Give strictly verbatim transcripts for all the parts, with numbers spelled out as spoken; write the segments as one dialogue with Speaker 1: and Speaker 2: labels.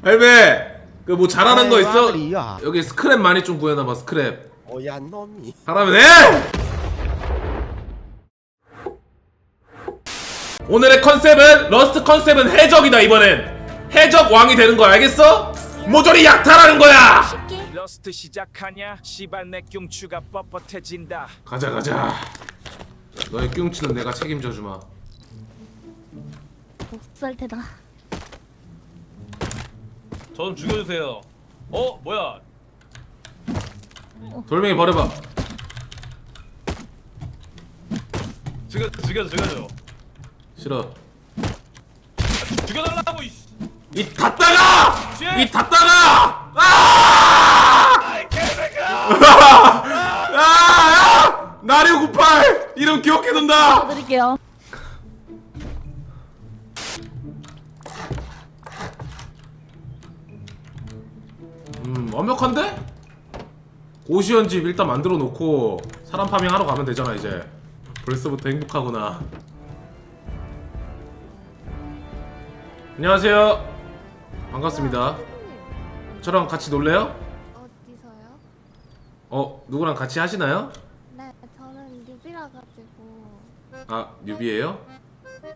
Speaker 1: 할배 그 뭐 잘하는 거 있어?
Speaker 2: 와그리야.
Speaker 1: 여기 스크랩 많이 좀 구해놔봐. 스크랩
Speaker 2: 오야 놈이.
Speaker 1: 하라면 해! 오늘의 컨셉은 러스트 컨셉은 해적이다. 이번엔 해적 왕이 되는 거야. 알겠어? 모조리 약탈하는 거야.
Speaker 3: 러스트 시작하냐? 시발 내 뀨추가 뻣뻣해진다.
Speaker 1: 가자 가자. 너의 뀨치는 내가 책임져 주마.
Speaker 4: 복살테다.
Speaker 5: 저 좀 죽여주세요. 어? 뭐야?
Speaker 1: 돌멩이 버려봐.
Speaker 5: 죽여, 죽여줘, 죽여줘.
Speaker 1: 싫어.
Speaker 5: 죽여달라고, 이씨!
Speaker 1: 이 닫다가!
Speaker 5: 쉣!
Speaker 1: 이 닫다가! 아!
Speaker 5: 아이, 개새끼야!
Speaker 1: 아! 아! 나류구팔 이름 기억해둔다.
Speaker 4: 드릴게요.
Speaker 1: 음 완벽한데? 고시원집 일단 만들어 놓고 사람 파밍 하러 가면 되잖아. 이제 벌써부터 행복하구나. 안녕하세요. 반갑습니다. 저랑 같이 놀래요?
Speaker 6: 어디서요?
Speaker 1: 어 누구랑 같이 하시나요?
Speaker 6: 네, 저는 뉴비라 가지고.
Speaker 1: 아 뉴비예요?
Speaker 6: 네,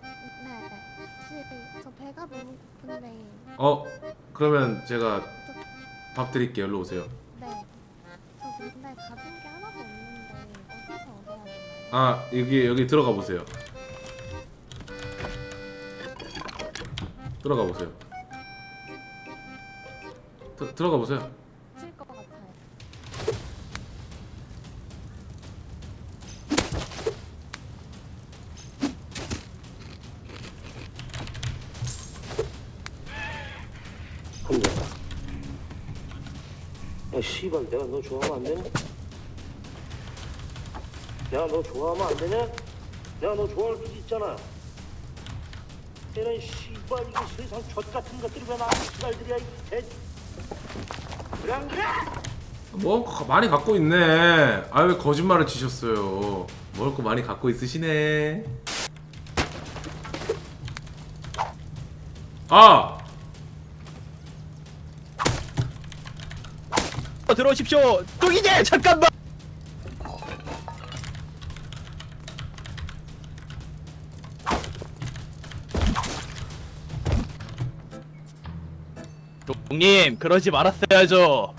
Speaker 6: 혹시 저 배가 너무 고픈데.
Speaker 1: 어 그러면 제가 밥 드릴게요. 일로 오세요.
Speaker 6: 네, 저 근데 가진 게 하나도 없는데 어디서 얻어야 되나요?
Speaker 1: 아 여기 여기 들어가 보세요. 들어가 보세요. 드, 들어가 보세요.
Speaker 6: 칠 것 같아요.
Speaker 7: 야 씨발 내가 너 좋아하면 안 되냐? 내가 너 좋아하면 안 되냐? 내가 너 좋아할 수도 있잖아. 이런 씨발 이거 세상 젖 같은 것들이 왜 나한테 씨발들이야 이 개. 그래 안 그래?
Speaker 1: 뭐 가- 많이 갖고 있네. 아 왜 거짓말을 치셨어요? 먹을 거 많이 갖고 있으시네. 아
Speaker 2: 어, 들어오십시오. 뚱이제 잠깐만. 뚱님 그러지 말았어야죠.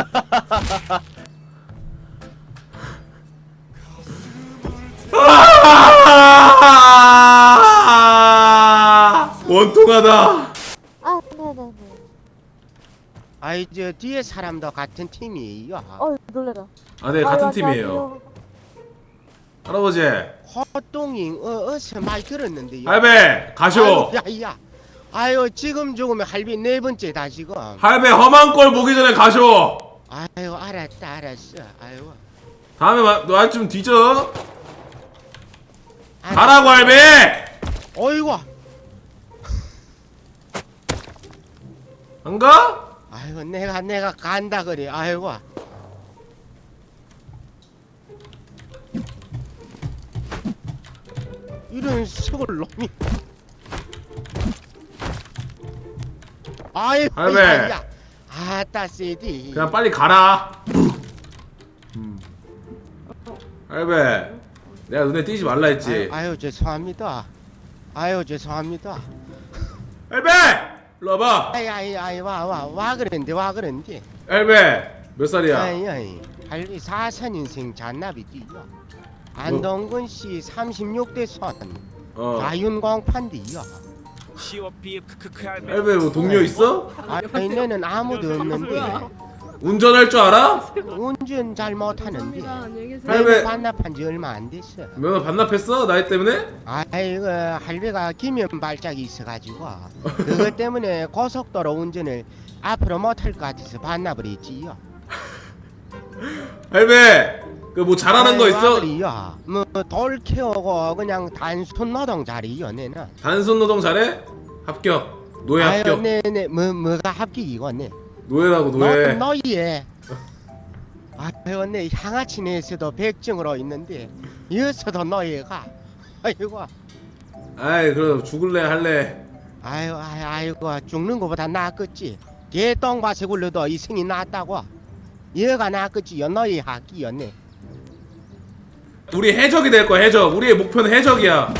Speaker 1: 아! 원통하다.
Speaker 6: 아, 네네네.
Speaker 2: 아이 저 뒤에 사람도 같은 팀이에요.
Speaker 6: 어, 놀래라.
Speaker 1: 아 네 같은 팀이에요. 할아버지
Speaker 2: 허똥잉 어, 어서 많이 들었는데요.
Speaker 1: 할배 가쇼.
Speaker 2: 야야. 아유 지금 죽으면 할비 네 번째다 지금.
Speaker 1: 할배 험한 꼴 보기 전에 가쇼.
Speaker 2: 아유 알았다 알았어. 아유.
Speaker 1: 다음에 너 좀 뒤져.
Speaker 2: 알았어.
Speaker 1: 가라고 할배.
Speaker 2: 어이구.
Speaker 1: 안 가?
Speaker 2: 아이고 내가 내가 간다 그래. 아이고. 이런 시골 놈이. 아이고
Speaker 1: 할배.
Speaker 2: 야야. 아따 세디.
Speaker 1: 그냥 빨리 가라. 음. 할배 내가 눈에 띄지 말라 했지.
Speaker 2: 아유, 아유 죄송합니다. 아유 죄송합니다.
Speaker 1: 할배 일로 와봐.
Speaker 2: 아이 아이 아이 와 와 와 그런데 와 그런데.
Speaker 1: 할배 몇 살이야?
Speaker 2: 아이 아이 할비 사선 인생 잔나비띠요. 안동근 씨 삼십육 대 선
Speaker 1: 어.
Speaker 2: 가윤광판디요.
Speaker 3: 시오피 크크크 할배.
Speaker 1: 할배 뭐 동료 있어?
Speaker 2: 아이 내는 아무도 없는데
Speaker 1: 운전할 줄 알아?
Speaker 2: 운전 잘 못하는데
Speaker 1: 할배
Speaker 2: 반납한 지 얼마 안 됐어.
Speaker 1: 면허 반납했어? 나이 때문에?
Speaker 2: 아이고 할배가 기면 발작이 있어가지고 그것 때문에 고속도로 운전을 앞으로 못할 것 같아서 반납을 했지요.
Speaker 1: 할배 그 뭐 잘하는 거 있어?
Speaker 2: 뭐돌 키우고 그냥 단순 노동 잘해요 내는.
Speaker 1: 단순 노동 잘해? 합격. 노예 합격.
Speaker 2: 네네 뭐 뭐가 합격이고 네.
Speaker 1: 노예라고 노예.
Speaker 2: 너 노예. 아유 내 향아치 내에서도 백증으로 있는데 여기서도 노예가. 아이고.
Speaker 1: 아이 그럼 죽을래 할래?
Speaker 2: 아유 아유 아이고 죽는 거보다 낫겠지. 개똥 밭에 굴러도 이승이 낫다고. 얘가 낫겠지요. 너희 학기였네.
Speaker 1: 우리 해적이 될 거야 해적. 우리의 목표는 해적이야.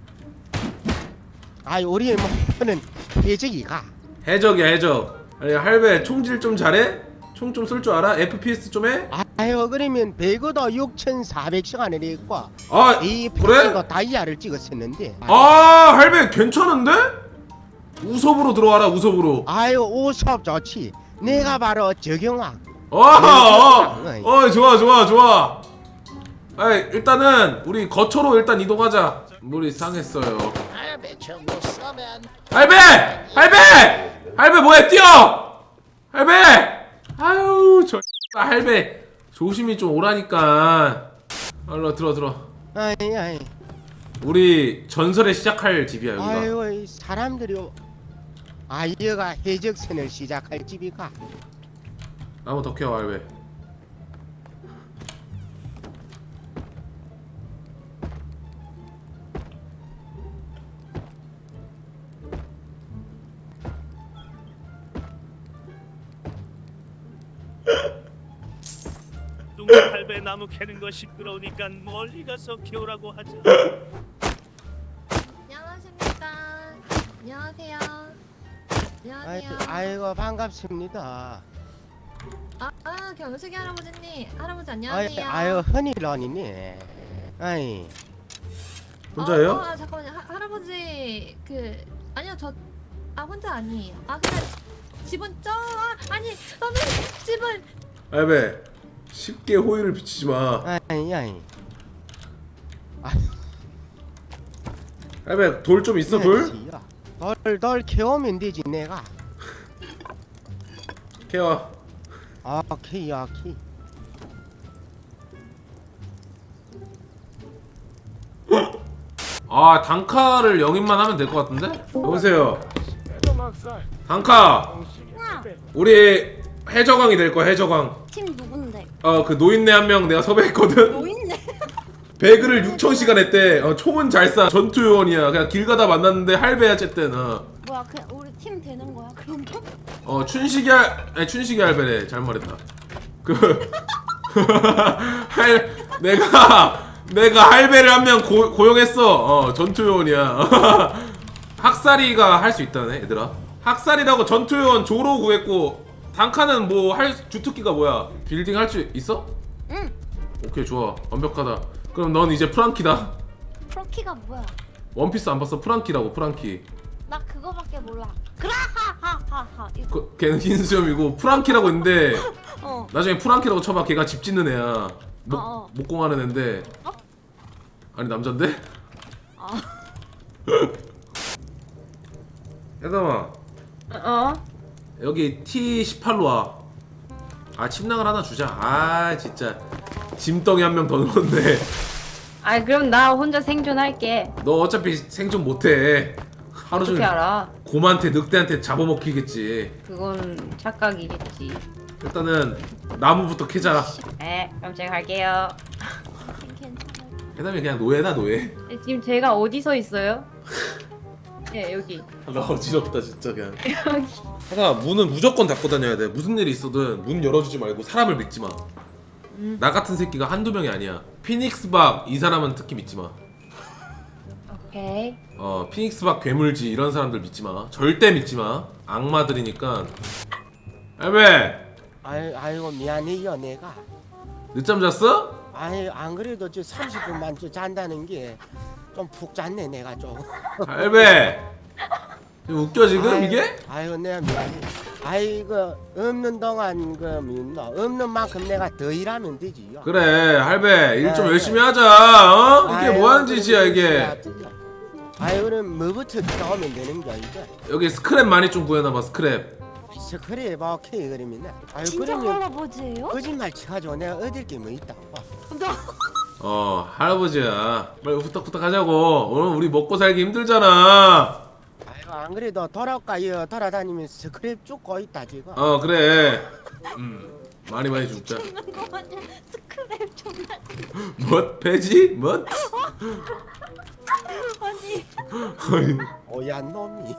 Speaker 2: 아유 우리의 목표는 해적이가.
Speaker 1: 해적이야 해적. 아니 할배 총질 좀 잘해? 총 좀 쏠 줄 알아? 에프피에스 좀 해?
Speaker 2: 아유 그러면 배그도 육천사백 시간을 했고
Speaker 1: 아
Speaker 2: 이
Speaker 1: 그래?
Speaker 2: 패치도 다이아를 찍었었는데.
Speaker 1: 아 할배 괜찮은데? 우섭으로 들어와라 우섭으로.
Speaker 2: 아유 우섭 좋지. 내가 바로 적용왕.
Speaker 1: 어, 어, 어, 좋아, 좋아, 좋아. 아, 일단은 우리 거처로 일단 이동하자. 물이 상했어요. 할배, 할배, 할배 뭐해? 뛰어, 할배. 아유, 저 할배 조심히 좀 오라니까. 얼른 들어, 들어.
Speaker 2: 아이 아이.
Speaker 1: 우리 전설에 시작할 집이야 여기가.
Speaker 2: 아유 이 사람들이 아이가 해적선을 시작할 집이가.
Speaker 1: 나무 더 캐와 할배.
Speaker 7: 뚱뚱 할배 나무 캐는 거 시끄러우니까 멀리 가서 키우라고 하자.
Speaker 6: 안녕하십니까. 안녕하세요. 안녕하세요.
Speaker 2: 아이고, 아이고 반갑습니다.
Speaker 6: 아, 아 경숙이 할아버지님. 할아버지
Speaker 2: 아이,
Speaker 6: 안녕하세요.
Speaker 2: 아유 흔히런이네. 아이
Speaker 1: 혼자예요?
Speaker 6: 어, 어, 아, 잠깐만요. 하, 할아버지 그 아니요 저 아 혼자 아니에요. 아 그냥 집은 저 아, 아니 선생님 집은
Speaker 1: 할배 쉽게 호의를 비치지 마.
Speaker 2: 아이 아이.
Speaker 1: 할배 돌 좀 있어 돌?
Speaker 2: 돌돌 캐오면 되지 내가.
Speaker 1: 캐와.
Speaker 2: 아 오케이 오케이.
Speaker 1: 아 단카를 영입만 하면 될 것 같은데? 여보세요 단카 우리 해적왕이 될 거야 해적왕.
Speaker 6: 팀 누군데?
Speaker 1: 어 그 노인네 한 명 내가 섭외했거든.
Speaker 6: 노인네.
Speaker 1: 배그를 육천 시간 했대. 어, 총은 잘 쏴. 전투 요원이야. 그냥 길 가다 만났는데 할배야 어쨌든. 어,
Speaker 6: 뭐야 그냥 우리 팀 되는 거야 그런 거?
Speaker 1: 어 춘식이 할 아니 춘식이 할배래. 잘 말했다. 그 할 내가 내가 할배를 한 명 고용했어. 어 전투 요원이야. 학살이가 할 수 있다네 얘들아. 학살이라고 전투 요원 조로 구했고 단카는 뭐 할 주특기가 뭐야? 빌딩 할 수 있어?
Speaker 6: 응.
Speaker 1: 오케이 좋아 완벽하다. 그럼 넌 이제 프랑키다.
Speaker 6: 프로키가 뭐야?
Speaker 1: 원피스 안 봤어? 프랑키라고 프랑키.
Speaker 6: 나 그거밖에 몰라. 그라하하하하. 이거.
Speaker 1: 그, 걔는 흰 수염이고 프랑키라고 있는데
Speaker 6: 어.
Speaker 1: 나중에 프랑키라고 쳐봐. 걔가 집 짓는 애야. 목,
Speaker 6: 어, 어.
Speaker 1: 목공하는 애인데
Speaker 6: 어?
Speaker 1: 아니 남잔데?
Speaker 6: 아.
Speaker 1: 해담아
Speaker 4: 어?
Speaker 1: 여기 티 십팔로 와. 아 침낭을 하나 주자. 아 진짜 짐덩이 한 명 더 넣었네.
Speaker 4: 아 그럼 나 혼자 생존할게.
Speaker 1: 너 어차피 생존 못해. 하루
Speaker 4: 어떻게
Speaker 1: 종일
Speaker 4: 알아?
Speaker 1: 곰한테 늑대한테 잡아먹히겠지.
Speaker 4: 그건 착각이겠지.
Speaker 1: 일단은 나무부터 캐자.
Speaker 4: 네, 그럼 제가 갈게요.
Speaker 6: 괜찮아.
Speaker 1: 해담이 그냥 노예다 노예.
Speaker 4: 네, 지금 제가 어디서 있어요? 예, 여기.
Speaker 1: 나 어지럽다 진짜 그냥.
Speaker 4: 여기.
Speaker 1: 하나 문은 무조건 닫고 다녀야 돼. 무슨 일이 있어든 문 열어주지 말고 사람을 믿지 마.
Speaker 4: 음.
Speaker 1: 나 같은 새끼가 한두 명이 아니야. 피닉스 박 이 사람은 특히 믿지 마.
Speaker 4: 오케이.
Speaker 1: 어 피닉스 박 괴물지 이런 사람들 믿지 마. 절대 믿지 마. 악마들이니까. 할배
Speaker 2: 아이 아이고 미안해요 내가.
Speaker 1: 늦잠 잤어?
Speaker 2: 아이 안 그래도 저 삼십 분만 저 잔다는 게 좀 푹 잤네 내가 좀.
Speaker 1: 할배 지금 웃겨 지금
Speaker 2: 아이,
Speaker 1: 이게?
Speaker 2: 아이고 내가 미안해. 아이고 없는 동안 그 믿나 없는 만큼 내가 더 일하면 되지요.
Speaker 1: 그래 할배 일 좀
Speaker 2: 네,
Speaker 1: 열심히 하자. 어? 이게
Speaker 2: 아이고,
Speaker 1: 뭐하는 짓이야
Speaker 2: 그래,
Speaker 1: 이게.
Speaker 2: 아이 그럼 뭐부터 나오면 되는 거야 이게.
Speaker 1: 여기 스크랩 많이 좀 구해놔봐 스크랩.
Speaker 2: 스크랩 오케이 그러면. 아이
Speaker 6: 진짜
Speaker 2: 그러면
Speaker 6: 할아버지예요?
Speaker 2: 거짓말 쳐가지고 내가 얻을 게 뭐 있다고.
Speaker 1: 어 할아버지야 빨리 후딱후딱 하자고. 오늘 우리 먹고 살기 힘들잖아.
Speaker 2: 아이고 안 그래도 돌아가요 돌아다니면서 스크랩 쫓고 있다 지금.
Speaker 1: 어 그래. 음 많이 많이 죽자.
Speaker 6: 죽는 거 마냥 스크랩 존나.
Speaker 1: 뭣? 배지? 뭣?
Speaker 4: 아니
Speaker 2: 오얀 놈이.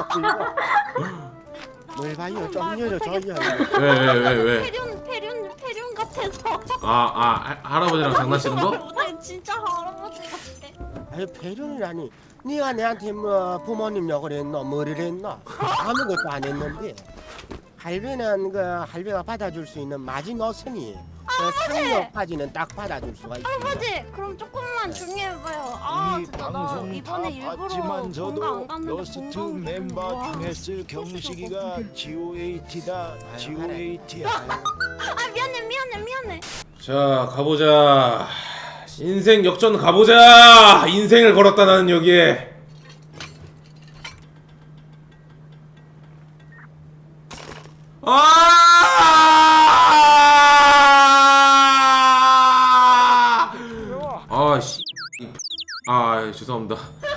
Speaker 2: 뭘 봐요? 좀 열어줘요.
Speaker 1: 왜 왜 왜 왜?
Speaker 4: 페륜 페륜 페륜 같아서.
Speaker 1: 아, 아, 할아버지랑 장난치는 거?
Speaker 4: 아니, 진짜 할아버지 같아.
Speaker 2: 아유 배륜이라니. 네가 내한테 뭐 부모님 욕을 했노? 뭐를 했노? 아무것도 안 했는데. 할배는 그 할배가 받아줄 수 있는 마지노선이 그 상력까지는 딱 받아줄 수가 있어.
Speaker 4: 할아버지 그럼 조금만 조용히 해봐요. 아
Speaker 8: 이
Speaker 4: 진짜 나
Speaker 8: 방송
Speaker 4: 이번에
Speaker 8: 다
Speaker 4: 일부러
Speaker 8: 봤지만
Speaker 4: 본가 안
Speaker 8: 저도
Speaker 4: 갔는데
Speaker 8: 러스트
Speaker 4: 본가
Speaker 8: 멤버
Speaker 4: 와,
Speaker 8: 중에 쓸 경식이가 지오에이티다. 지오에이티야.
Speaker 4: 아 미안해 미안해 미안해.
Speaker 1: 자, 가보자. 인생 역전 가보자. 인생을 걸었다 나는 여기에. 아! 아, 씨. 아, 죄송합니다.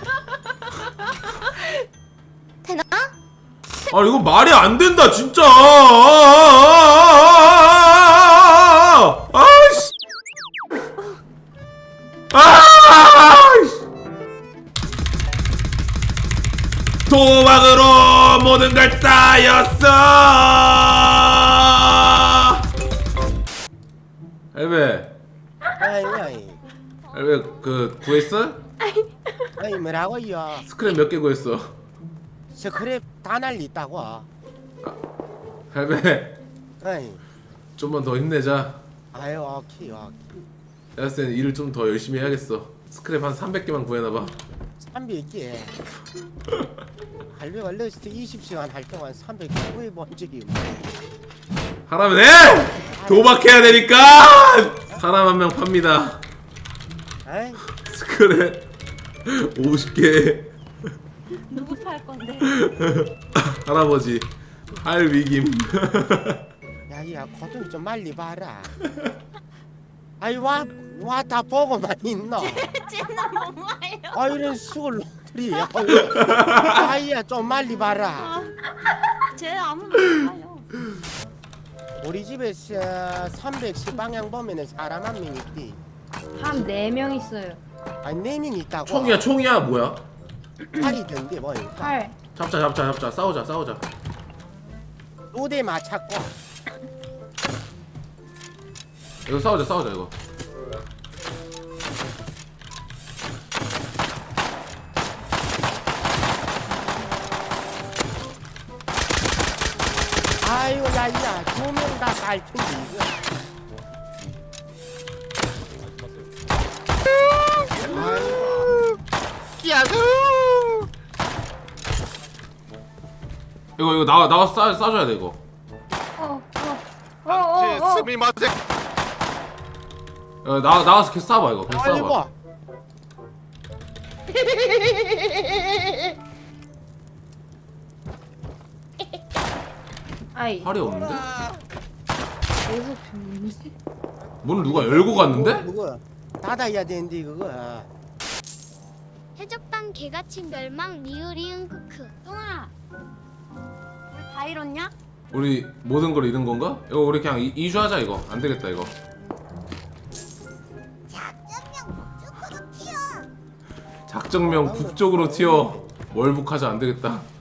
Speaker 4: 되나?
Speaker 1: 아, 이거 말이 안 된다, 진짜. 아, 씨. 아! 도박으로 모든 걸 따였어. 할배,
Speaker 2: 아이 아이
Speaker 1: 할배 그 구했어?
Speaker 2: 아이 뭐라고요?
Speaker 1: 스크랩 몇 개 구했어?
Speaker 2: 스크랩 다 날리다고.
Speaker 1: 할배,
Speaker 2: 아이
Speaker 1: 좀만 더 힘내자.
Speaker 2: 아유 오케이 오케이.
Speaker 1: 내가 봤을 때는 일을 좀 더 열심히 해야겠어. 스크랩 한 삼백 개만 구해놔봐.
Speaker 2: 삼백 개. 할배가 러스트 이십 시간 할 동안 삼백 개 구해본 적이 없네.
Speaker 1: 하라면 해! 도박해야 되니까! 사람 한 명 팝니다.
Speaker 2: 아이
Speaker 1: 스크랩 오십 개.
Speaker 4: 누구 팔 건데?
Speaker 1: 할아버지 할 위김.
Speaker 2: 야야 고등이 좀 말리 봐라. 아이 와와 다 보고만 있노.
Speaker 4: 쟤는 엄마예요.
Speaker 2: 아 이런 수을 놈들이. 아이야 좀 말리 봐라.
Speaker 4: 쟤 아무 말 못해요.
Speaker 2: 우리 집에서 삼백십 방향 보면은 사람 한 명 있디.
Speaker 4: 한 네 명 있어요.
Speaker 2: 아니 네 명 있다고.
Speaker 1: 총이야 총이야 뭐야?
Speaker 2: 팔이던데 뭐 일단
Speaker 4: 팔.
Speaker 1: 잡자 잡자 잡자 싸우자 싸우자.
Speaker 2: 두 대 맞췄고.
Speaker 1: 이거 싸우자 싸우자 이거.
Speaker 2: 아이고 야야 두 명 다 갈 텐데 이거. 아이고. 야수.
Speaker 1: 이거 이거 나와 나와 싸 싸줘야 돼 이거.
Speaker 4: 어 어. 어어 어.
Speaker 1: 어, 나 나와서 계속 싸봐 이거. 계속
Speaker 2: 빨리
Speaker 1: 싸봐.
Speaker 2: 봐.
Speaker 4: 아이.
Speaker 1: 팔이 없는데?
Speaker 4: 계속 죽는데.
Speaker 1: 문을 누가 열고 갔는데?
Speaker 2: 그거 닫아야 되는데 그거.
Speaker 9: 해적단 개가칭 멸망 리으리응 크크.
Speaker 4: 뚱아. 우리 다 잃었냐?
Speaker 1: 우리 모든 걸 잃은 건가? 이거 우리 그냥 이, 이주하자 이거. 안 되겠다 이거. 작정명 북쪽으로 튀어. 월북하자 안 되겠다.